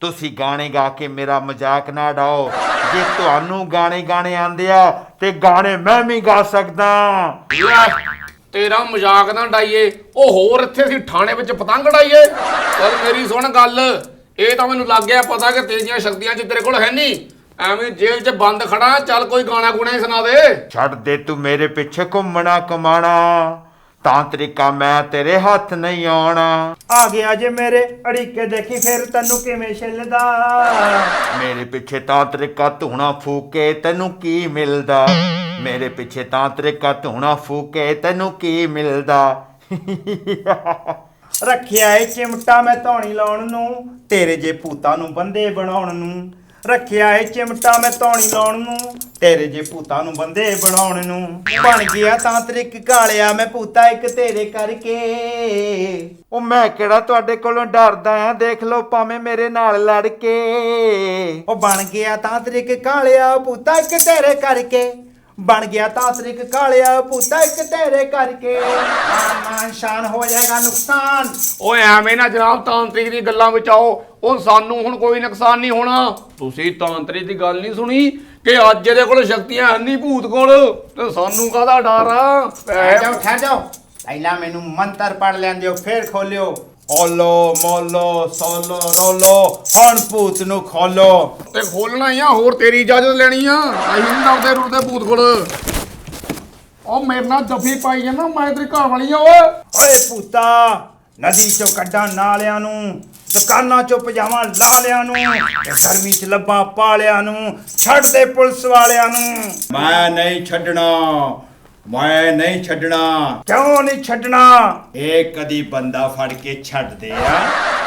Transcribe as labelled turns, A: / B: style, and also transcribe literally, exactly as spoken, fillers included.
A: ਤੁਸੀਂ ਗਾਣੇ ਗਾ ਕੇ ਮੇਰਾ ਮਜ਼ਾਕ ਨਾ ਉਡਾਓ। ਜੇ ਤੁਹਾਨੂੰ ਗਾਣੇ ਗਾਣੇ ਆਉਂਦੇ ਆ ਤੇ ਗਾਣੇ ਮੈਂ ਵੀ ਗਾ ਸਕਦਾ।
B: ਲੈ, ਤੇਰਾ ਮਜ਼ਾਕ ਨਾ ਡਾਈਏ। ਉਹ ਹੋਰ ਇੱਥੇ ਅਸੀਂ ਥਾਣੇ ਵਿੱਚ ਪਤੰਗ ਡਾਈਏ। ਚੱਲ ਮੇਰੀ ਸੁਣ ਗੱਲ, ਇਹ ਤਾਂ ਮੈਨੂੰ ਲੱਗ ਗਿਆ ਪਤਾ ਕਿ ਤੇਰੀਆਂ ਸ਼ਕਤੀਆਂ ਚ ਤੇਰੇ ਕੋਲ ਹੈ ਨਹੀਂ। ਐਵੇਂ ਜੇਲ੍ਹ 'ਚ ਬੰਦ ਖੜਾ, ਚੱਲ ਕੋਈ ਗਾਣਾ ਗੁਣਾ ਹੀ ਸੁਣਾ ਦੇ।
A: ਛੱਡ ਦੇ ਤੂੰ ਮੇਰੇ ਪਿੱਛੇ ਘੁੰਮਣਾ ਕਮਾਣਾ, ਤਾਂਤਰਿਕਾ ਮੈਂ ਤੇਰੇ ਹੱਥ ਨਹੀਂ ਆਉਣਾ।
C: ਆ ਗਿਆ ਜੇ ਮੇਰੇ ਅੜੀਕੇ, ਦੇਖੀ ਫਿਰ ਤੈਨੂੰ ਕਿਵੇਂ ਛਿੱਲਦਾ।
A: ਮੇਰੇ ਪਿੱਛੇ ਤਾਂਤਰਿਕਾ ਧੂਣਾ ਫੂਕੇ ਤੈਨੂੰ ਕੀ ਮਿਲਦਾ। ਮੇਰੇ ਪਿੱਛੇ ਤਾਂਤਰਿਕਾ ਧੂਣਾ ਫੂਕੇ ਤੈਨੂੰ ਕੀ ਮਿਲਦਾ।
C: ਰੱਖਿਆ ਏ ਚਿਮਟਾ ਮੈਂ ਧੌਣੀ ਲਾਉਣ ਨੂੰ, ਤੇਰੇ ਜੇ ਭੂਤਾਂ ਨੂੰ ਬੰਦੇ ਬਣਾਉਣ ਨੂੰ। ਰੱਖਿਆ ਏ ਚਿਮਟਾ ਮੈਂ ਧੌਣੀ ਲਾਉਣ ਨੂੰ, ਤੇਰੇ ਜੇ ਭੂਤਾਂ ਨੂੰ ਬੰਦੇ ਬਣਾਉਣ ਨੂੰ। ਬਣ ਗਿਆ ਤਾਂਤਰਿਕ ਕਾਲਿਆ ਮੈਂ ਭੂਤਾ ਇੱਕ ਤੇਰੇ ਕਰਕੇ।
A: ਉਹ ਮੈਂ ਕਿਹੜਾ ਤੁਹਾਡੇ ਕੋਲੋਂ ਡਰਦਾ ਆ, ਦੇਖ ਲਓ ਭਾਵੇਂ ਮੇਰੇ ਨਾਲ ਲੜ ਕੇ।
C: ਉਹ ਬਣ ਗਿਆ ਤਾਂਤਰਿਕ ਕਾਲਿਆ ਭੂਤਾ ਇੱਕ ਤੇਰੇ ਕਰਕੇ। ਬਣ ਗਿਆ ਤਾਂਤਰਿਕ ਕਾਲਿਆ ਭੂਤਾ ਇੱਕ ਤੇਰੇ ਕਰਕੇ। ਮਾਨ ਮਾਨ ਸ਼ਾਨ ਹੋ ਜਾਏਗਾ ਨੁਕਸਾਨ।
B: ਓਏ ਐਵੇਂ ਨਾ ਜਨਾਬ ਤਾਂਤਰਿਕ ਦੀ ਗੱਲਾਂ ਵਿੱਚ ਆਓ। ਉਹ ਸਾਨੂੰ ਹੁਣ ਕੋਈ ਨੁਕਸਾਨ ਨਹੀਂ ਹੋਣਾ। ਤੁਸੀਂ ਤਾਂਤਰਿਕ ਦੀ ਗੱਲ ਨਹੀਂ ਸੁਣੀ ਕਿ ਅੱਜ ਇਹਦੇ ਕੋਲ ਸ਼ਕਤੀਆਂ ਹੈ ਨਹੀਂ ਭੂਤ ਕੋਲ, ਤੇ ਸਾਨੂੰ ਕਾਹਦਾ ਡਰ ਆ।
C: ਠਹਿਰ ਜਾਓ ਠਹਿਰ ਜਾਓ, ਪਹਿਲਾਂ ਮੈਨੂੰ ਮੰਤਰ ਪੜ੍ਹ ਲੈਂਦੇ ਹੋ ਫਿਰ ਖੋਲਿਓ। ਓਲੋ ਮੋਲੋ ਸੋਲੋ ਨੋਲੋ, ਹੁਣ ਭੂਤ ਨੂੰ ਖੋਲੋ।
B: ਤੇ ਖੋਲਣਾ ਹੀ ਆ, ਹੋਰ ਤੇਰੀ ਇਜਾਜ਼ਤ ਲੈਣੀ ਆ। ਅਸੀਂ ਨਹੀਂ ਡਰਦੇ ਰੁਰਦੇ ਭੂਤ ਕੋਲ। ਉਹ ਮੇਰੇ ਨਾਲ ਜੱਫੀ ਪਾਈ ਜਾਂਦਾ, ਮੈਂ ਤੇਰੀ ਘਰ ਵਾਲੀ ਆ। ਓਏ
C: ਓਏ ਭੂਤਾ, ਨਦੀ ਚੋਂ ਕੱਢਾਂ ਨਾਲਿਆਂ ਨੂੰ, ਦੁਕਾਨਾਂ ਚੋਂ ਪਜਾਵਾਂ ਲਾਲਿਆਂ ਨੂੰ, ਤੇ ਗਰਮੀ ਚ ਲੱਭਾਂ ਪਾਲਿਆਂ ਨੂੰ। ਛੱਡ ਦੇ ਪੁਲਿਸ ਵਾਲਿਆਂ ਨੂੰ।
A: ਮੈਂ ਨਹੀਂ ਛੱਡਣਾ, ਮੈਂ ਨਹੀਂ ਛੱਡਣਾ।
C: ਕਿਉਂ ਨਹੀਂ ਛੱਡਣਾ?
A: ਇਹ ਕਦੀ ਬੰਦਾ ਫੜ ਕੇ ਛੱਡਦੇ ਆ।